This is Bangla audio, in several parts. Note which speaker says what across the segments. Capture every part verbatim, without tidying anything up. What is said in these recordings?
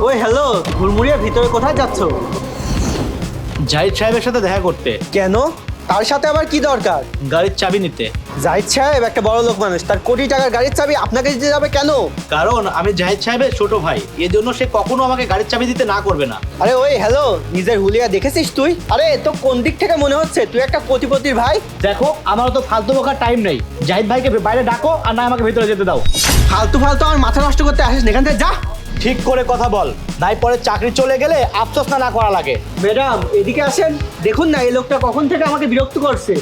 Speaker 1: ওই হ্যালো, ঘুরমুড়িয়ে ভিতরে কোথায় যাচ্ছ?
Speaker 2: জাহিদ সাহেবের সাথে দেখা করতে।
Speaker 1: কেন? তার সাথে আবার কি দরকার?
Speaker 2: গাড়ির চাবি নিতে।
Speaker 1: জাহিদ সাহেব একটা বড় লোক মানুষ, তার কোটি টাকার গাড়ির চাবি আপনাকে দিতে যাবে কেন?
Speaker 2: কারণ আমি জাহিদ সাহেবের ছোট ভাই, এজন্য সে কখনো আমাকে গাড়ির চাবি দিতে না করবে না।
Speaker 1: আরে ওই হ্যালো, নিজের হুলিয়া দেখেছিস তুই? আরে তো কোন দিক থেকে মনে হচ্ছে তুই একটা কোটিপতির ভাই?
Speaker 2: দেখো, আমার তো ফালতু বকার টাইম নেই। জাহিদ ভাইকে বাইরে ডাকো আর না আমাকে ভিতরে যেতে দাও।
Speaker 1: ফালতু ফালতু আমার মাথা নষ্ট করতে আসিস না, এখান থেকে যা।
Speaker 2: ঠিক করে কথা বল, নাই পরে চাকরি চলে গেলে আফসোস না না করা লাগে।
Speaker 1: ম্যাডাম এদিকে আসেন, দেখুন না এই লোকটা কখন থেকে আমাকে বিরক্ত করছে।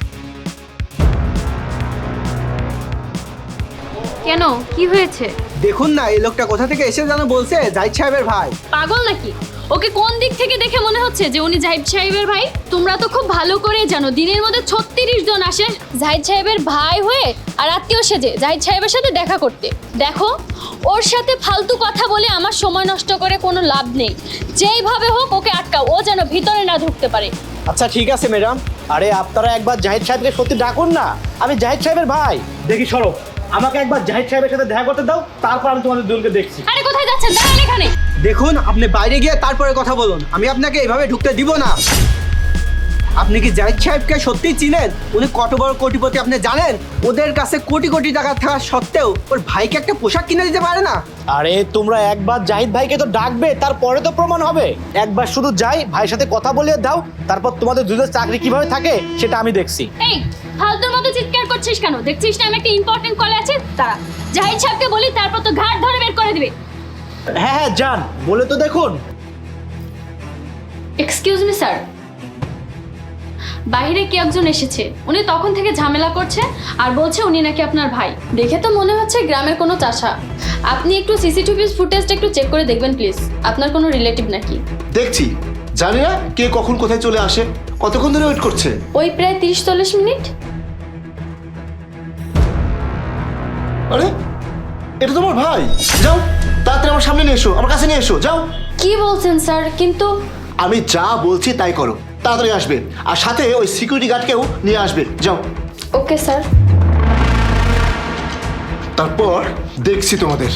Speaker 3: কেন, কি হয়েছে?
Speaker 1: দেখুন না এই লোকটা কোথা থেকে এসে যেন বলছে জাহিদ সাহেবের ভাই।
Speaker 3: পাগল নাকি? ওকে কোন দিক থেকে দেখে মনে হচ্ছে যে উনি জাহিদ সাহেবের ভাই? তোমরা তো খুব ভালো করে জানো দিনের মধ্যে ছত্রিশ জন আসে জাহিদ সাহেবের ভাই হয়ে আর আত্মীয় সেজে জাহিদ সাহেবের সাথে দেখা করতে। দেখো, ওর সাথে ফালতু কথা বলে আমার সময় নষ্ট করে কোনো লাভ নেই। যেইভাবে হোক ওকে আটকাও, ও যেন ভিতরে না ঢুকতে পারে।
Speaker 1: আচ্ছা ঠিক আছে ম্যাডাম।
Speaker 2: আরে আপনারা একবার জাহিদ সাহেবকে সত্যি ডাকুন না, আমি জাহিদ সাহেবের ভাই। দেখি সরো, আমাকে একবার জাহিদ সাহেবের সাথে দেখা করতে দাও, তারপর আমি তোমাদের দুজনকে দেখছি।
Speaker 3: আরে কোথায় যাচ্ছেন? দাঁড়ান এখানে।
Speaker 1: দেখুন আপনি বাইরে গিয়ে তারপরে কথা বলুন, আমি আপনাকে এইভাবে ঢুকতে দিব না। আপনি কি জাহিদ সাহেবকে সত্যিই চিনেন? উনি কত বড় কোটিপতি আপনি জানেন? ওদের কাছে কোটি কোটি টাকা থাকা সত্ত্বেও ওর ভাইকে একটা পোশাক কিনে দিতে পারে না।
Speaker 2: আরে তোমরা একবার জাহিদ ভাইকে তো ডাকবে, তারপরে তো প্রমাণ হবে। একবার শুধু যাই ভাইয়ের সাথে কথা বলিয়ে দাও, তারপর তোমাদের দুজনের চাকরি কিভাবে থাকে সেটা আমি দেখছি।
Speaker 3: এই ফালতুর মতো চিৎকার করছিস কেন? দেখছিস না আমি একটা ইম্পর্টেন্ট কলে আছি? তারা জাহিদ সাহেবকে বলি, তারপর তো ঘাট ধরে বের করে দিবে।
Speaker 2: হ্যাঁ হ্যাঁ যান, বলে তো দেখুন।
Speaker 3: এক্সকিউজ মি স্যার, বাইরে কে একজন এসেছে, উনি তখন থেকে ঝামেলা করছে আর বলছে উনি নাকি আপনার ভাই। দেখে তো মনে হচ্ছে গ্রামের কোনো চাষা। আপনি একটু সিসিটিভি ফুটেজটা একটু চেক করে দেখবেন প্লিজ, আপনার কোনো রিলেটিভ নাকি।
Speaker 4: দেখছি, জানি না কে কখন কোথায় চলে আসে। কতক্ষণ ধরে ওয়েট করছে?
Speaker 3: ওই প্রায় তিরিশ চল্লিশ মিনিট।
Speaker 4: আরে এটা তোমার ভাই? যাও তাড়াতাড়ি আমার সামনে নিয়ে এসো, আমার কাছে নিয়ে এসো, যাও।
Speaker 3: কি বলছেন স্যার? কিন্তু
Speaker 4: আমি যা বলছি তাই করো, তাড়াতাড়ি আসবে। আর সাথে ওই সিকিউরিটি গার্ডকেও নিয়ে আসবে, যাও।
Speaker 3: Okay sir.
Speaker 4: তারপর দেখছি তোমাদের।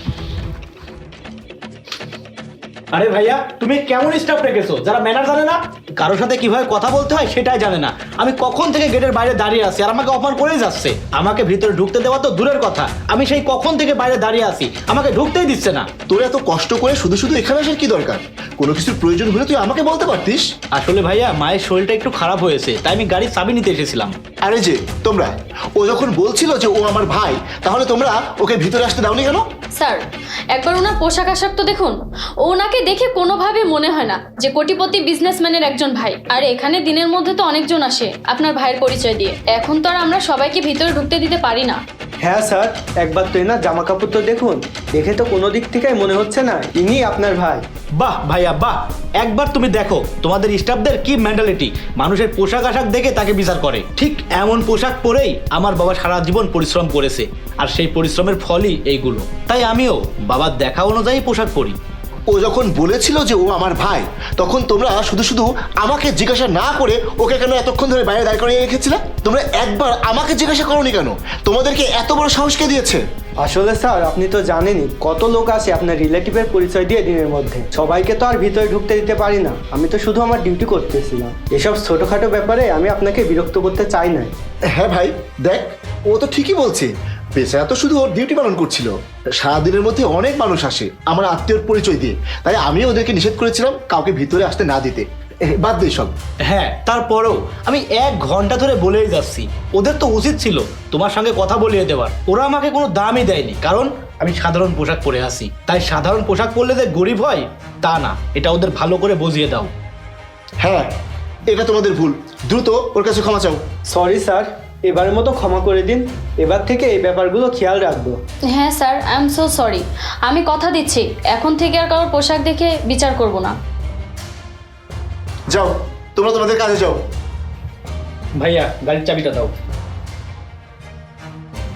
Speaker 2: আরে ভাইয়া, তুমি কেমন স্টাফ রেখেছো যারা ম্যানার জানে না, কারোর সাথে কিভাবে কথা বলতে হয় সেটাই জানে না। আমি কখন থেকে গেটের বাইরে দাঁড়িয়ে আছি আর আমাকে অফার করেই যাচ্ছে। আমাকে ভিতরে ঢুকতে দেওয়া তো দূরের কথা, আমি সেই কখন থেকে বাইরে দাঁড়িয়ে আছি, আমাকে ঢুকতেই দিচ্ছে না।
Speaker 4: তোর এত কষ্ট করে শুধু শুধু এখানে আসার কি দরকার? কোনো কিছুর প্রয়োজন হলে তুই আমাকে বলতে পারতিস।
Speaker 2: আসলে ভাইয়া, মায়ের শরীরটা একটু খারাপ হয়েছে, তাই আমি গাড়ির চাবি নিতে এসেছিলাম।
Speaker 4: আরে যে তোমরা, ও যখন বলছিল যে ও আমার ভাই, তাহলে তোমরা ওকে ভিতরে আসতে দাওনি কেন?
Speaker 3: স্যার একবার ওনার পোশাক আশাক তো দেখুন। ওনাকে দেখে কোনোভাবে মনে হয় না যে কোটিপতি বিজনেসম্যানের একজন ভাই। আর এখানে দিনের মধ্যে তো অনেকজন আসে আপনার ভাইয়ের পরিচয় দিয়ে, এখন তো আর আমরা সবাইকে ভিতরে ঢুকতে দিতে পারি না।
Speaker 1: হ্যাঁ স্যার, একবার তো এনার জামা কাপড় তো দেখুন, দেখে তো কোনো দিক থেকে মনে হচ্ছে না ইনি আপনার ভাই।
Speaker 2: বাহ ভাইয়া বাহ, একবার তুমি দেখো তোমাদের স্টাফদের কি মেন্টালিটি, মানুষের পোশাক আশাক দেখে তাকে বিচার করে। ঠিক এমন পোশাক পরেই আমার বাবা সারা জীবন পরিশ্রম করেছে, আর সেই পরিশ্রমের ফলই এইগুলো। তাই আমিও বাবার দেখা অনুযায়ী পোশাক পরি।
Speaker 4: ও যখন বলেছিল যে ও আমার ভাই, তখন তোমরা শুধু শুধু আমাকে জিজ্ঞাসা না করে ওকে কেন এতক্ষণ ধরে বাইরে দাঁড় করিয়ে রেখেছিলে? তোমরা একবার আমাকে জিজ্ঞাসা করোনি কেন? তোমাদেরকে এত বড় সাহস কে দিয়েছে?
Speaker 1: আসলে স্যার আপনি তো জানেনই কত লোক আসে আপনার রিলেটিভের পরিচয় দিয়ে দিনের মধ্যে, সবাইকে তো আর ভিতরে ঢুকতে দিতে পারি না। আমি তো শুধু আমার ডিউটি করতেছিলাম, এসব ছোটোখাটো ব্যাপারে আমি আপনাকে বিরক্ত করতে চাই না।
Speaker 4: হ্যাঁ ভাই, দেখ ও তো ঠিকই বলছে। পেশা তো শুধু ওর ডিউটি পালন করছিল। সারাদিনের মধ্যে অনেক মানুষ আসে আমার আত্মীয়র পরিচয় দিয়ে, তাই আমি ওদেরকে নিষেধ করেছিলাম কাউকে ভিতরে আসতে না দিতে। বাদ দে সব।
Speaker 2: হ্যাঁ, তারপরেও আমি এক ঘন্টা ধরে বলেই যাচ্ছি, ওদের তো উচিত ছিল তোমার সঙ্গে কথা বলিয়ে দেওয়ার। ওরা আমাকে কোনো দামই দেয়নি, কারণ আমি সাধারণ পোশাক পরে আসি। তাই সাধারণ পোশাক পরলে যে গরিব হয় তা না, এটা ওদের ভালো করে বুঝিয়ে দাও।
Speaker 4: হ্যাঁ, এটা তোমাদের ভুল, দ্রুত ওর কাছে ক্ষমা চাও।
Speaker 1: সরি স্যার, এবারের মতো ক্ষমা করে দিন, এবার থেকে এই ব্যাপারগুলো খেয়াল রাখবো।
Speaker 3: হ্যাঁ sir, I am so sorry. আমি কথা দিচ্ছি এখন থেকে আর কারোর পোশাক দেখে বিচার করব না।
Speaker 4: যাও, তোমরা তোমাদের কাজে যাও।
Speaker 2: ভাইয়া গাড়ির চাবিটা দাও।